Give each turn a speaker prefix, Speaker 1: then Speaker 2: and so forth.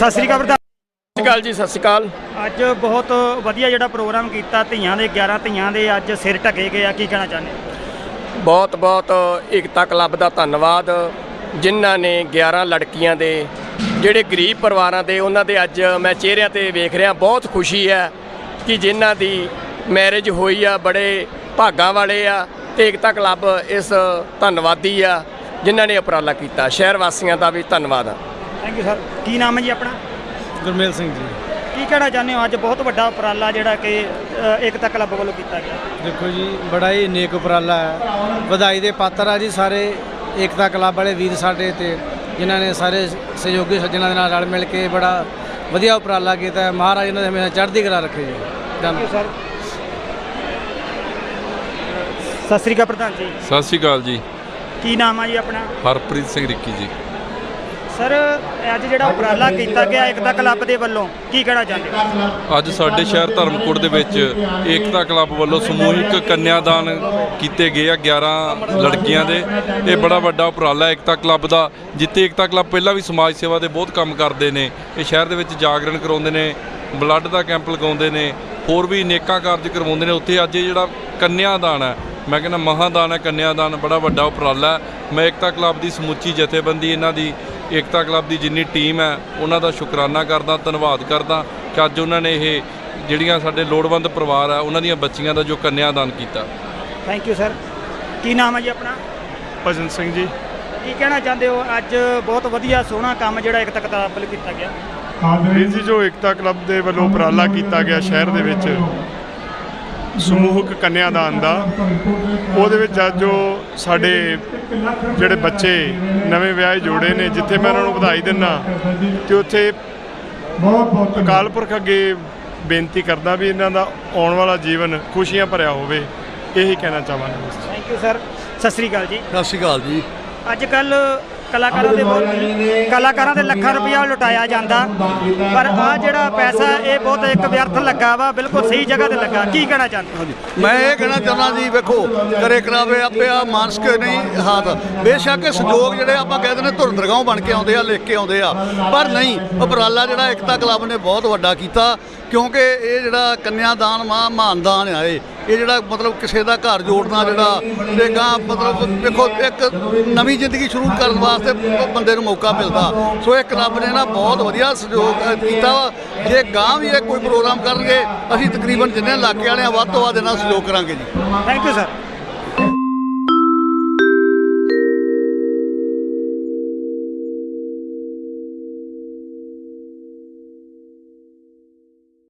Speaker 1: ਸਤਿ ਸ਼੍ਰੀ ਅਕਾਲ ਪ੍ਰਧਾਨ।
Speaker 2: ਸਤਿ ਸ਼੍ਰੀ ਅਕਾਲ ਜੀ। ਸਤਿ ਸ਼੍ਰੀ ਅਕਾਲ।
Speaker 1: ਅੱਜ ਬਹੁਤ ਵਧੀਆ ਜਿਹੜਾ ਪ੍ਰੋਗਰਾਮ ਕੀਤਾ, ਧੀਆਂ ਦੇ 11 ਧੀਆਂ ਦੇ ਅੱਜ ਸਿਰ ਢਕੇ ਗਏ ਆ, ਕੀ ਕਹਿਣਾ ਚਾਹੁੰਦੇ?
Speaker 2: ਬਹੁਤ ਬਹੁਤ ਏਕਤਾ ਕਲੱਬ ਦਾ ਧੰਨਵਾਦ, ਜਿਨ੍ਹਾਂ ਨੇ 11 ਲੜਕੀਆਂ ਦੇ ਜਿਹੜੇ ਗਰੀਬ ਪਰਿਵਾਰਾਂ ਦੇ ਉਹਨਾਂ ਦੇ ਅੱਜ ਮੈਂ ਚਿਹਰਿਆਂ ਤੇ ਵੇਖ ਰਿਹਾ, ਬਹੁਤ ਖੁਸ਼ੀ ਹੈ ਕਿ ਜਿਨ੍ਹਾਂ ਦੀ ਮੈਰਿਜ ਹੋਈ ਆ, ਬੜੇ ਭਾਗਾਂ ਵਾਲੇ ਆ ਤੇ ਏਕਤਾ ਕਲੱਬ ਇਸ ਧੰਨਵਾਦੀ ਆ ਜਿਨ੍ਹਾਂ ਨੇ ਉਪਰਾਲਾ ਕੀਤਾ। ਸ਼ਹਿਰ ਵਾਸੀਆਂ ਦਾ ਵੀ ਧੰਨਵਾਦ ਆ।
Speaker 1: Thank you sir. ਕੀ ਨਾਮ ਹੈ ਜੀ ਆਪਣਾ?
Speaker 3: ਗੁਰਮੇਲ ਸਿੰਘ ਜੀ।
Speaker 1: ਕੀ ਕਹਿਣਾ ਚਾਹੁੰਦੇ ਹੋ? ਅੱਜ ਬਹੁਤ ਵੱਡਾ ਉਪਰਾਲਾ ਜਿਹੜਾ ਕਿ ਏਕਤਾ ਕਲੱਬ ਵੱਲੋਂ ਕੀਤਾ ਗਿਆ।
Speaker 3: ਦੇਖੋ ਜੀ, ਬੜਾ ਹੀ ਨੇਕ ਉਪਰਾਲਾ ਹੈ, ਵਧਾਈ ਦੇ ਪਾਤਰ ਆ ਜੀ ਸਾਰੇ ਏਕਤਾ ਕਲੱਬ ਵਾਲੇ ਵੀਰ ਸਾਡੇ ਤੇ ਜਿਨ੍ਹਾਂ ਨੇ ਸਾਰੇ ਸਹਿਯੋਗੀ ਸੱਜਣਾਂ ਦੇ ਨਾਲ ਰਲ ਮਿਲ ਕੇ ਬੜਾ ਵਧੀਆ ਉਪਰਾਲਾ ਕੀਤਾ। ਮਹਾਰਾਜ ਇਹਨਾਂ ਦੇ ਹਮੇਸ਼ਾ ਚੜ੍ਹਦੀ ਕਲਾ ਰੱਖੇ ਜੀ।
Speaker 1: Thank you sir. ਸਤਿ ਸ਼੍ਰੀ ਅਕਾਲ ਪ੍ਰਧਾਨ ਜੀ।
Speaker 4: ਸਤਿ ਸ਼੍ਰੀ ਅਕਾਲ ਜੀ।
Speaker 1: ਕੀ ਨਾਮ ਆ ਜੀ ਆਪਣਾ?
Speaker 4: ਹਰਪ੍ਰੀਤ ਸਿੰਘ ਰਿੱਕੀ ਜੀ।
Speaker 1: ਸਰ, ਅੱਜ ਜਿਹੜਾ ਉਪਰਾਲਾ ਕੀਤਾ ਗਿਆ ਏਕਤਾ ਕਲੱਬ ਦੇ ਵੱਲੋਂ, ਕੀ ਕਹਿਣਾ ਚਾਹੁੰਦੇ ਹੋ?
Speaker 4: ਅੱਜ ਸਾਡੇ ਸ਼ਹਿਰ ਧਰਮਕੋਟ ਦੇ ਵਿੱਚ ਏਕਤਾ ਕਲੱਬ ਵੱਲੋਂ ਸਮੂਹਿਕ ਕੰਨਿਆਦਾਨ ਕੀਤੇ ਗਏ ਆ 11 ਲੜਕੀਆਂ ਦੇ। ਇਹ ਬੜਾ ਵੱਡਾ ਉਪਰਾਲਾ ਏਕਤਾ ਕਲੱਬ ਦਾ, ਜਿੱਥੇ ਏਕਤਾ ਕਲੱਬ ਪਹਿਲਾਂ ਵੀ ਸਮਾਜ ਸੇਵਾ ਦੇ ਬਹੁਤ ਕੰਮ ਕਰਦੇ ਨੇ। ਇਹ ਸ਼ਹਿਰ ਦੇ ਵਿੱਚ ਜਾਗਰਣ ਕਰਾਉਂਦੇ ਨੇ, ਬਲੱਡ ਦਾ ਕੈਂਪ ਲਗਾਉਂਦੇ ਨੇ, ਹੋਰ ਵੀ ਨੇਕਾਂ ਕਾਰਜ ਕਰਵਾਉਂਦੇ ਨੇ। ਉੱਥੇ ਅੱਜ ਇਹ ਜਿਹੜਾ ਕੰਨਿਆਦਾਨ ਹੈ, ਮੈਂ ਕਹਿੰਦਾ ਮਹਾਦਾਨ ਹੈ ਕੰਨਿਆਦਾਨ, ਬੜਾ ਵੱਡਾ ਉਪਰਾਲਾ। ਮੈਂ ਏਕਤਾ ਕਲੱਬ ਦੀ ਸਮੁੱਚੀ ਜਥੇਬੰਦੀ, ਇਹਨਾਂ ਦੀ ਏਕਤਾ ਕਲੱਬ ਦੀ ਜਿੰਨੀ ਟੀਮ ਹੈ ਉਹਨਾਂ ਦਾ ਸ਼ੁਕਰਾਨਾ ਕਰਦਾ, ਧੰਨਵਾਦ ਕਰਦਾ ਕਿ ਅੱਜ ਉਹਨਾਂ ਨੇ ਇਹ ਜਿਹੜੀਆਂ ਸਾਡੇ ਲੋੜਵੰਦ ਪਰਿਵਾਰ ਆ ਉਹਨਾਂ ਦੀਆਂ ਬੱਚੀਆਂ ਦਾ ਜੋ ਕੰਨਿਆਦਾਨ ਕੀਤਾ।
Speaker 1: Thank you sir. ਕੀ ਨਾਮ ਹੈ ਜੀ ਆਪਣਾ?
Speaker 5: ਭਜਨ ਸਿੰਘ ਜੀ।
Speaker 1: ਕੀ ਕਹਿਣਾ ਚਾਹੁੰਦੇ ਹੋ? ਅੱਜ ਬਹੁਤ ਵਧੀਆ ਸੋਹਣਾ ਕੰਮ ਜਿਹੜਾ ਏਕਤਾ ਕਲੱਬ ਵੱਲੋਂ ਕੀਤਾ ਗਿਆ।
Speaker 5: ਵੀਰ ਜੀ, ਜੋ ਏਕਤਾ ਕਲੱਬ ਦੇ ਵੱਲੋਂ ਉਪਰਾਲਾ ਕੀਤਾ ਗਿਆ ਸ਼ਹਿਰ ਦੇ ਵਿੱਚ ਸਮੂਹਿਕ ਕੰਨਿਆਦਾਨ ਦਾ, ਉਹਦੇ ਵਿੱਚ ਅੱਜ ਜੋ ਸਾਡੇ ਜਿਹੜੇ ਬੱਚੇ ਨਵੇਂ ਵਿਆਹੇ ਜੋੜੇ ਨੇ, ਜਿੱਥੇ ਮੈਂ ਉਹਨਾਂ ਨੂੰ ਵਧਾਈ ਦਿੰਦਾ ਅਤੇ ਉੱਥੇ ਅਕਾਲ ਪੁਰਖ ਅੱਗੇ ਬੇਨਤੀ ਕਰਦਾ ਵੀ ਇਹਨਾਂ ਦਾ ਆਉਣ ਵਾਲਾ ਜੀਵਨ ਖੁਸ਼ੀਆਂ ਭਰਿਆ ਹੋਵੇ, ਇਹੀ ਕਹਿਣਾ ਚਾਹਾਂਗਾ।
Speaker 1: Thank you sir. ਸਤਿ ਸ਼੍ਰੀ ਅਕਾਲ ਜੀ।
Speaker 6: ਸਤਿ ਸ਼੍ਰੀ ਅਕਾਲ ਜੀ।
Speaker 1: ਅੱਜ ਕੱਲ੍ਹ ਕਲਾਕਾਰਾਂ ਦੇ ਲੱਖਾਂ ਰੁਪਇਆ ਲੁਟਾਇਆ ਜਾਂਦਾ, ਪਰ ਆਹ ਜਿਹੜਾ ਪੈਸਾ ਇਹ ਬਹੁਤ ਇੱਕ ਵਿਅਰਥ ਲੱਗਾ ਵਾ, ਬਿਲਕੁਲ ਸਹੀ ਜਗ੍ਹਾ ਤੇ ਲੱਗਾ। ਕੀ ਕਹਿਣਾ ਚਾਹੁੰਦੇ?
Speaker 6: ਮੈਂ ਇਹ ਕਹਿਣਾ ਚਾਹੁੰਦਾ ਜੀ, ਵੇਖੋ ਕਰੇ ਕਰਾਵੇ ਆਪੇ ਆ ਮਾਨਸਿਕ ਨਹੀਂ ਹਾਥ। ਬੇਸ਼ੱਕ ਸੰਯੋਗ ਜਿਹੜੇ ਆਪਾਂ ਕਹਿੰਦੇ ਨੇ ਧੁਰ ਦਰਗਾਹੋਂ ਬਣ ਕੇ ਆਉਂਦੇ ਆ, ਲਿਖ ਕੇ ਆਉਂਦੇ ਆ, ਪਰ ਨਹੀਂ, ਉਪਰਾਲਾ ਜਿਹੜਾ ਏਕਤਾ ਕਲੱਬ ਨੇ ਬਹੁਤ ਵੱਡਾ ਕੀਤਾ। ਕਿਉਂਕਿ ਇਹ ਜਿਹੜਾ ਕੰਨਿਆਦਾਨ ਮਹਾਨਦਾਨ ਆ, ਇਹ ਜਿਹੜਾ ਮਤਲਬ ਕਿਸੇ ਦਾ ਘਰ ਜੋੜਨਾ, ਜਿਹੜਾ ਤੇ ਗਾਂ ਮਤਲਬ ਵੇਖੋ ਇੱਕ ਨਵੀਂ ਜ਼ਿੰਦਗੀ ਸ਼ੁਰੂ ਕਰਨ ਵਾਸਤੇ ਬੰਦੇ ਨੂੰ ਮੌਕਾ ਮਿਲਦਾ। ਸੋ ਇਹ ਕਲੱਬ ਨੇ ਨਾ ਬਹੁਤ ਵਧੀਆ ਸਹਿਯੋਗ ਕੀਤਾ ਵਾ। ਜੇ ਗਾਂ ਵੀ ਇਹ ਕੋਈ ਪ੍ਰੋਗਰਾਮ ਕਰਨਗੇ, ਅਸੀਂ ਤਕਰੀਬਨ ਜਿੰਨੇ ਇਲਾਕੇ ਵਾਲੇ ਆ ਵੱਧ ਤੋਂ ਵੱਧ ਇਹਨਾਂ ਸਹਿਯੋਗ ਕਰਾਂਗੇ ਜੀ।
Speaker 1: Thank you sir.